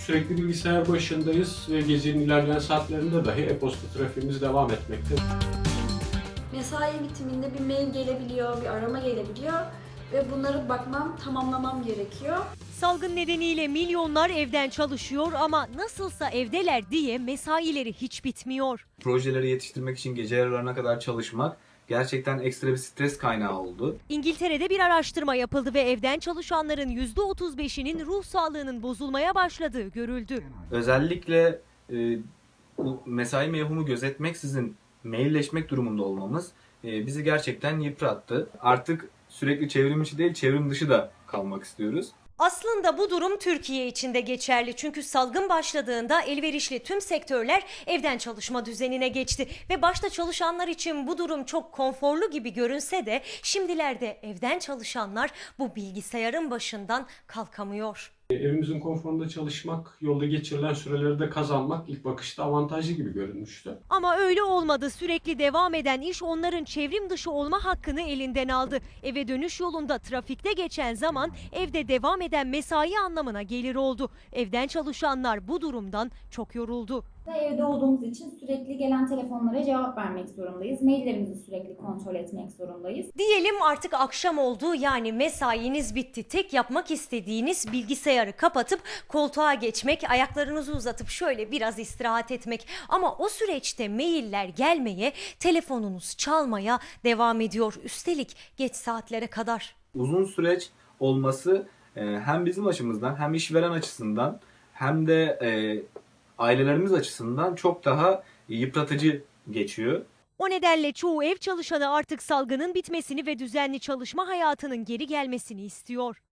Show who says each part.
Speaker 1: Sürekli bilgisayar başındayız ve gecenin ilerleyen saatlerinde dahi e-posta trafiğimiz devam etmekte.
Speaker 2: Mesai bitiminde bir mail gelebiliyor, bir arama gelebiliyor ve bunları tamamlamam gerekiyor.
Speaker 3: Salgın nedeniyle milyonlar evden çalışıyor ama nasılsa evdeler diye mesaileri hiç bitmiyor.
Speaker 4: Projeleri yetiştirmek için gece yarılarına kadar çalışmak gerçekten ekstra bir stres kaynağı oldu.
Speaker 3: İngiltere'de bir araştırma yapıldı ve evden çalışanların %35'inin ruh sağlığının bozulmaya başladığı görüldü.
Speaker 4: Özellikle bu mesai mevhumu gözetmeksizin mailleşmek durumunda olmamız bizi gerçekten yıprattı. Artık sürekli çevrim içi değil, çevrim dışı da kalmak istiyoruz.
Speaker 3: Aslında bu durum Türkiye için de geçerli. Çünkü salgın başladığında elverişli tüm sektörler evden çalışma düzenine geçti. Ve başta çalışanlar için bu durum çok konforlu gibi görünse de şimdilerde evden çalışanlar bu bilgisayarın başından kalkamıyor.
Speaker 1: Evimizin konforunda çalışmak, yolda geçirilen süreleri de kazanmak ilk bakışta avantajlı gibi görünmüştü.
Speaker 3: Ama öyle olmadı. Sürekli devam eden iş onların çevrim dışı olma hakkını elinden aldı. Eve dönüş yolunda trafikte geçen zaman evde devam eden mesai anlamına gelir oldu. Evden çalışanlar bu durumdan çok yoruldu.
Speaker 5: Evde olduğumuz için sürekli gelen telefonlara cevap vermek zorundayız. Maillerimizi sürekli kontrol etmek zorundayız.
Speaker 3: Diyelim artık akşam oldu, yani mesainiz bitti. Tek yapmak istediğiniz bilgisayarı kapatıp koltuğa geçmek, ayaklarınızı uzatıp şöyle biraz istirahat etmek. Ama o süreçte mailler gelmeye, telefonunuz çalmaya devam ediyor. Üstelik geç saatlere kadar.
Speaker 4: Uzun süreç olması hem bizim açımızdan hem işveren açısından hem de ailelerimiz açısından çok daha yıpratıcı geçiyor.
Speaker 3: O nedenle çoğu ev çalışanı artık salgının bitmesini ve düzenli çalışma hayatının geri gelmesini istiyor.